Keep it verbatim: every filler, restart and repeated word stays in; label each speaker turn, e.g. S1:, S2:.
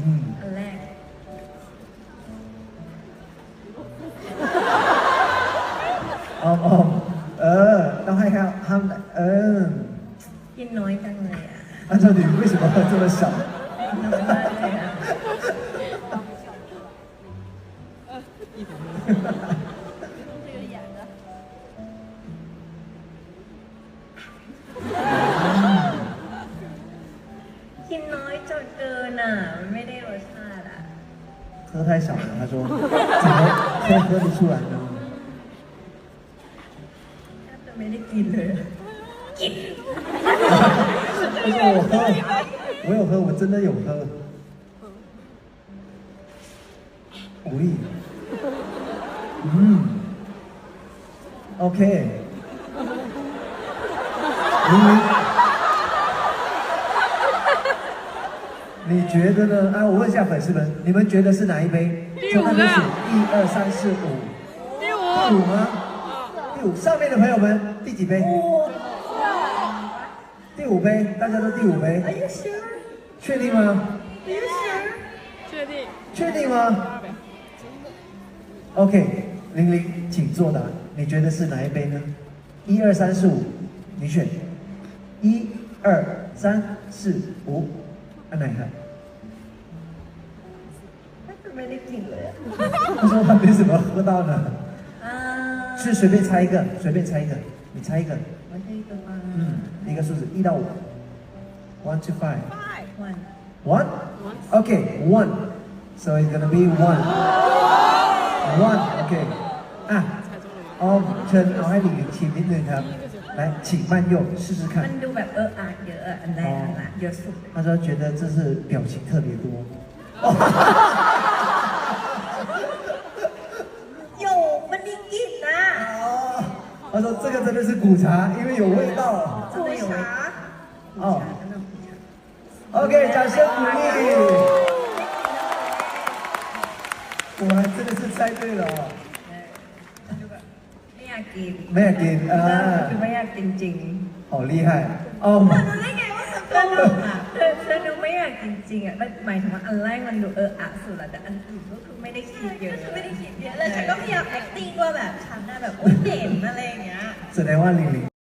S1: ม
S2: อันแรก
S1: ออมออมเออต้องให้เขาห้ามเออ
S2: กินน้อยจังเลยอ่ะ
S1: 按照你为什么喝这么少？
S2: น้อยมากเลยอ่ะกินน้อยจนเกินอ่ะมันไม่ได้รสชาติอ่ะ
S1: 喝太少了，他说怎么可以喝得出来呢？
S2: แทบจะไม่ได้กินเลยกิน
S1: 他说我喝，我有喝，我真的有喝。无力。嗯，OK。明明，你觉得呢？啊，我问一下粉丝们，你们觉得是哪一杯？
S3: 第五个
S1: 就那边写一二三四五，
S3: 第五，
S1: 第五吗？第五，上面的朋友们，第几杯？第五杯，大家都第五杯。
S2: Are you sure?
S1: 确定吗？
S2: Are you sure?
S3: 确定。
S1: 确定吗 ？OK，玲玲，请作答。你觉得是哪一杯呢？一二三四五，你选。一二三四五，按哪一个？
S2: แทบจะไม่ได้กินเลยอ่ะ
S1: 他说他没怎么喝到呢。
S2: อ่า
S1: 是随便猜一个，随便猜一个，你猜一个。
S2: ไม่ใช่ตัวมา
S1: 嗯，一个数字一到五。One to five.
S2: วัน
S1: One. Okay, one. So it's gonna be one. One. Okay. อ่ะออมเชิญเอาให้หลิงหลิงชิมนิดนึงครับ来请慢用试试
S2: มั
S1: 看
S2: นดูแบบเอออาเยอะอะอันแรกอันละเยอะสุด
S1: 他说觉得这是表情特别多
S2: โยมันได้กลินนะ
S1: 他说这个真的是古茶因为有味道
S2: 真的有味道
S1: 哦
S2: 真的苦茶
S1: OK 掌声鼓励果然真的是猜对了哦
S2: มันดูแบบไม่อยากกิน
S1: ไม่อยากกินอ่า
S2: คือไม่อยากกินจริง
S1: 好厉害哦
S2: รู้ได้ไงว่าสนุกอ่ะเธอเธอดูไม่อยากกินจริงอ่ะหมายถึงว่าอันแรกมันดูเอออะสุดละแต่อันอื่นก็คือไม่ได้คิดเยอะไม่ได้คิดเยอะแล้วฉันก็พยายาม acting ว่าแบบฉันน่ะแบบโอ้เด่นอะไรอย่างเงี้ย
S1: แสดงว่าลิงลิง